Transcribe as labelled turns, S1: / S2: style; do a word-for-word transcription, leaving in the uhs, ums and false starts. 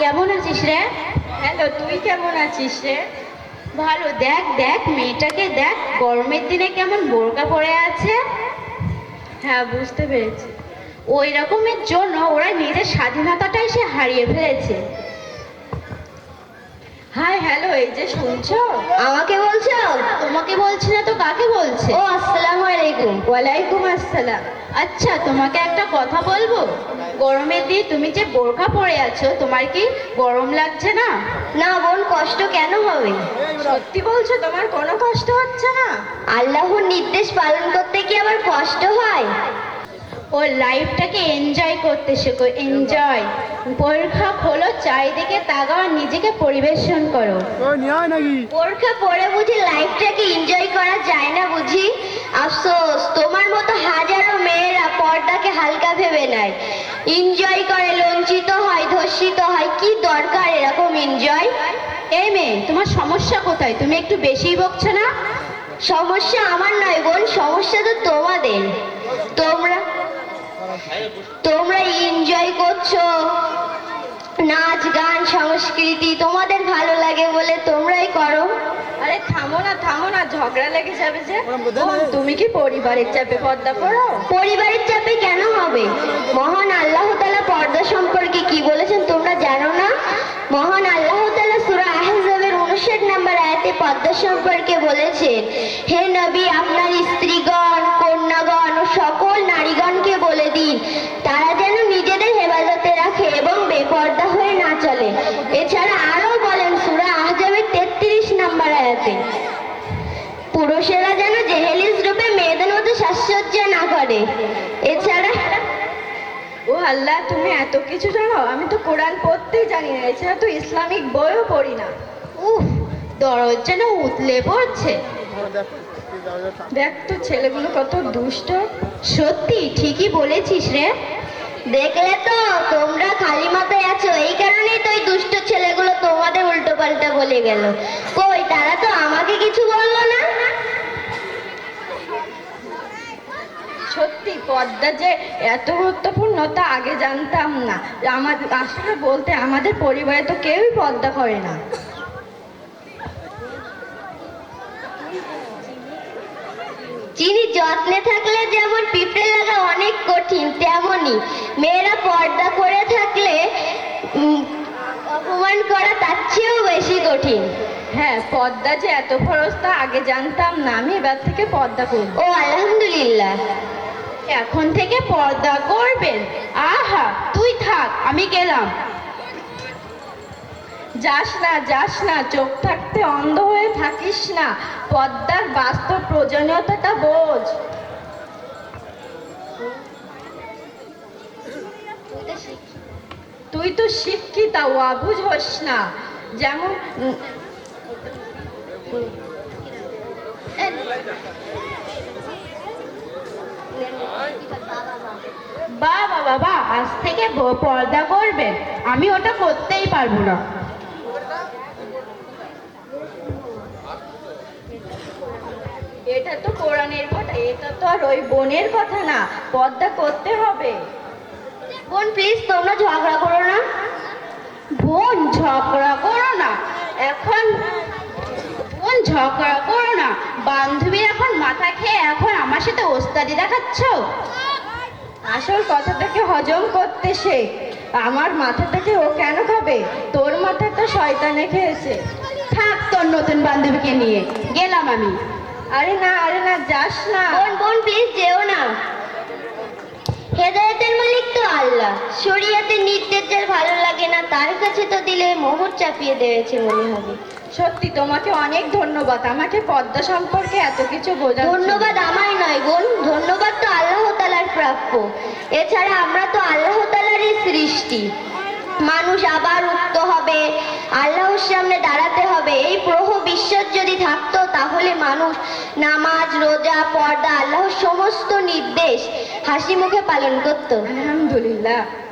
S1: কেমন আছিস রে?
S2: হ্যালো, তুই কেমন আছিস রে?
S1: ভালো। দেখ দেখ মেয়েটাকে দেখ, গরমের দিনে কেমন বোরকা পরে আছে।
S2: হ্যাঁ, বুঝতে পেরেছি।
S1: ওই রকমের জন্য ওরা নিজের স্বাধীনতাটাই সে হারিয়ে ফেলেছে।
S2: হাই, হ্যালো, এই যে শুনছো?
S1: আমাকে বলছো? তোমাকে বলছি না তো কাকে বলছে? ও আসসালামু আলাইকুম।
S2: ওয়ালাইকুম আসসালাম।
S1: আচ্ছা, তোমাকে একটা কথা বলবো। গরমের দিনে তুমি যে বোরকা পরে আছো, তোমার কি গরম লাগছে না?
S3: না বোন, কষ্ট কেন হবে?
S2: সত্যি বলছো, তোমার কোনো কষ্ট হচ্ছে না?
S3: আল্লাহর নির্দেশ পালন করতে কি আবার কষ্ট হয়?
S1: ও লাইফটাকে এনজয় করতে শেখো, এনজয়। পরীক্ষা খোলো, চারিদিকে তাকাও আর নিজেকে পরিবেশন করো।
S3: বোরকা পরে বুঝি লাইফটাকে এনজয় করা যায় না বুঝি? আফসোস, তোমার মতো হাজারো মেয়েরা পর্দাকে হালকা ভেবে নেয়, এনজয় করে, লজ্জিত হয়, ধর্ষিত হয়। কি দরকার এরকম এনজয়?
S1: এই মেয়ে, তোমার সমস্যা কোথায়? তুমি একটু বেশিই বকছো না?
S3: সমস্যা আমার নয় বোন, সমস্যা তো তোমাদের। তোমরা তোমরা এনজয় করছো, নাচ গান সংস্কৃতি তোমাদের ভালো লাগে বলে তোমরাই করো।
S2: আরে থামো না, থামো না, ঝগড়া লেগে যাবে যে। বোন, তুমি কি পরিবারের চাপে পর্দা করো?
S3: পরিবারের চাপে কেন হবে? মহান আল্লাহ তাআলা পর্দা সম্পর্কে কি বলেছেন তোমরা জানো না? মহান আল্লাহ তাআলা সূরা আহজাবের উনষাট নম্বর আয়াতে পর্দা সম্পর্কে বলেছেন, হে নবী, আপনার স্ত্রীগণ, কন্যাগণ ও সকল নারীগণকে বলে দিন তারা যেন নিজেদের হেফাজতে রাখে এবং বেপর্দা হয়ে না চলে। এছাড়া আরো বলেন সূরা আহজাবের তেত্রিশ নম্বর আয়াতে, পুরুষেরা যেন জেহেলিস রূপে মেয়েদের মতো সাজসজ্জা না করে। এছাড়া
S2: ও আল্লাহ, তুমি এত কিছু জানো? আমি তো কোরআন পড়তেই জানি না, এছাড়া তো ইসলামিক বইও পড়ি না।
S1: উফ, দরদ যেন উতলে পড়ছে।
S2: দেখ তো ছেলেগুলো কত দুষ্ট।
S1: সত্যি ঠিকই বলেছিস রে।
S3: দেখলে তো, তোমরা খালি মাথায় আছো, এই কারণেই তো ওই দুষ্ট ছেলেগুলো তোমাদের উল্টো পাল্টা বলে গেল। কই, তারা তো আমাকে কিছু বললো না।
S2: সত্যি পর্দা যে এত গুরুত্বপূর্ণ তা আগে জানতাম না। আমার আসলে বলতে আমাদের পরিবারে তো কেউই পর্দা করে না।
S3: চিনি যত্নে থাকলে যেমন পিঁপড়ে লাগা অনেক কঠিন, তেমনই মেয়েরা পর্দা করে থাকলে উম, অপমান করা তার চেয়েও বেশি কঠিন।
S2: হ্যাঁ, পর্দা যে এত খরচ তা আগে জানতাম না। আমি এবার থেকে পর্দা করব।
S3: ও আলহামদুলিল্লাহ।
S1: এখন থেকে পর্দা করবেন? আহা, তুই থাক, আমি গেলাম।
S2: যাস না, যাস না, চোখ থাকতে অন্ধ হয়ে থাকিস না। পর্দার বাস্তব প্রয়োজনীয়তাটা বোঝ। তুই তো শিক্ষিতা, অবুঝ হোস না। যেমন
S1: বা বাবা বা, আজ থেকে ব- পর্দা করবেন? আমি ওটা করতেই পারবো না।
S2: এটা তো কোরআনের কথা, এটা তো আর ওই বোনের কথা না। পর্দা করতে হবে।
S3: বোন প্লিজ, তোমরা ঝগড়া করো না।
S1: বোন, ঝগড়া করো না এখন। বোন, ঝগড়া করো না। বান্ধবী এখন মাথা খেয়ে এখন আমার সাথে ওস্তাদি দেখাচ্ছ?
S2: আসল কথাটাকে হজম করতে শেখ। আমার মাথাটাকে ও কেন খাবে? তোর মাথাটা শয়তানে খেয়েছে।
S1: থাক তোর নতুন বান্ধবীকে নিয়ে, গেলাম আমি।
S2: আরে না, আরে না, যাস না।
S3: বোন বোন প্লিজ যেও না। হেদায়েতের মালিক তো আল্লাহ, শরীয়তের নির্দেশ যার ভালো লাগে না তার কাছে তো দিলে মোহর চাপিয়ে দিয়েছে মনে হবে।
S2: সত্যি তোমাকে অনেক ধন্যবাদ, আমাকে পর্দা সম্পর্কে এত কিছু বোঝা।
S3: ধন্যবাদ আমায় নয় বোন, ধন্যবাদ তো আল্লাহ তাআলার প্রাপ্য। এছাড়া আমরা তো আল্লাহ তাআলারই সৃষ্টি। মানুষ আবার উঠতে হবে, আল্লাহর সামনে দাঁড়াতে হবে। এই প্রহ বিশ্বাস যদি থাকতো তাহলে মানুষ নামাজ, রোজা, পর্দা, আল্লাহর সমস্ত নির্দেশ হাসি মুখে পালন করত।
S2: আলহামদুলিল্লাহ।